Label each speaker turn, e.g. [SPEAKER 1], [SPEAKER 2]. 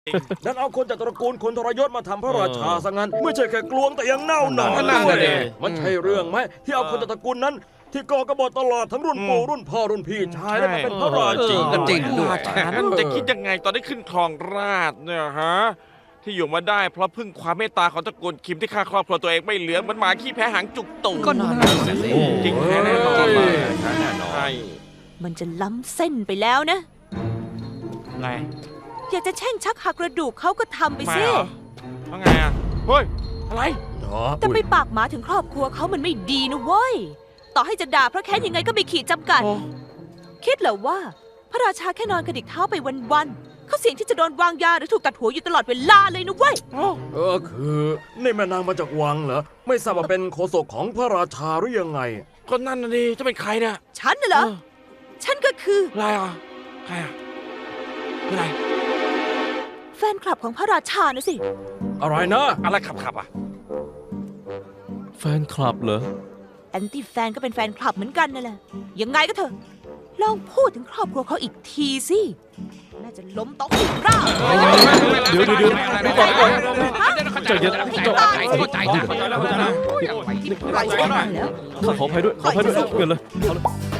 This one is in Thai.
[SPEAKER 1] นั้นเอาคนจากตระกูลคนทรยศมาทำพระราชาซะงั้นไม่ใช่แค่กลวงแต่ยังเน่าหนอนด้วยมันใช่เรื่องไหมที่เอาคนจากตระกูลนั้น ที่ก่อกบฏตลอดทั้งรุ่นปู่รุ่นพ่อรุ่นพี่ชายแล้วมาเป็นพระราชา
[SPEAKER 2] จริงด้วย
[SPEAKER 3] ราชานั้นจะคิดยังไงตอนได้ขึ้นครองราชย์เนี่ยฮะที่อยู่มาได้เพราะพึ่งความเมตตาของตระกูลคิมที่ฆ่าครอบครัวตัวเองไม่เหลือเหมันหมาขี้แพ้หางจุกตูด
[SPEAKER 2] ก็น่าสิ
[SPEAKER 3] จริงแท้แน่นอน
[SPEAKER 2] แน่นอน
[SPEAKER 3] ใช่
[SPEAKER 4] มันจะล้ำเส้นไปแล้วนะ
[SPEAKER 3] ไง
[SPEAKER 4] อยากจะแช่งชักหักกระดูกเขาก็ทำไป
[SPEAKER 3] มา
[SPEAKER 4] สิ
[SPEAKER 3] เหรอว่าไงอ่ะเฮ้ยอะไร
[SPEAKER 4] แต่ไปปากหมาถึงครอบครัวเขามันไม่ดีนะเว้ย ต่อให้จะด่าเพราะแค้นยังไงก็มีขีดจำกัด
[SPEAKER 3] โอ้
[SPEAKER 4] คิดเหรอว่า พระราชาแค่นอนกระดิกเท้าไปวันๆเขาเสี่ยงที่จะโดนวางยาหรือถูกตัดหัวอยู่ตลอดเวลาเลยนะเว้ย
[SPEAKER 1] คือนี่แม่นางมาจากวังเหรอไม่ทราบว่าเป็นโฆษกของพระราชาหรือยังไง
[SPEAKER 3] คนนั่นน่ะดิจะเป็นใครเนี่ย
[SPEAKER 4] ฉันน่ะเหรอ ฉันก็คือ
[SPEAKER 3] อะไรอ่ะใครอ่ะคืออะไร
[SPEAKER 4] แฟนคลับของพระราชานะสิ
[SPEAKER 1] อะไรนะ
[SPEAKER 3] อะไรขับอ่ะ
[SPEAKER 2] แฟนคลับเหรอ
[SPEAKER 4] แอนตี้แฟนก็เป็นแฟนคลับเหมือนกันนั่นแหละ ยังไงก็เถอะ ลองพูดถึงครอบครัวเขาอีกทีสิ น่าจะล้มโต๊ะอีกรอบ
[SPEAKER 2] เดี๋ยวก่อนใจเย็น
[SPEAKER 3] เข้าใจ
[SPEAKER 4] ที่ปล่อยฉันมาแล้ว
[SPEAKER 2] ข้าขออภัยด้วยเงินเลย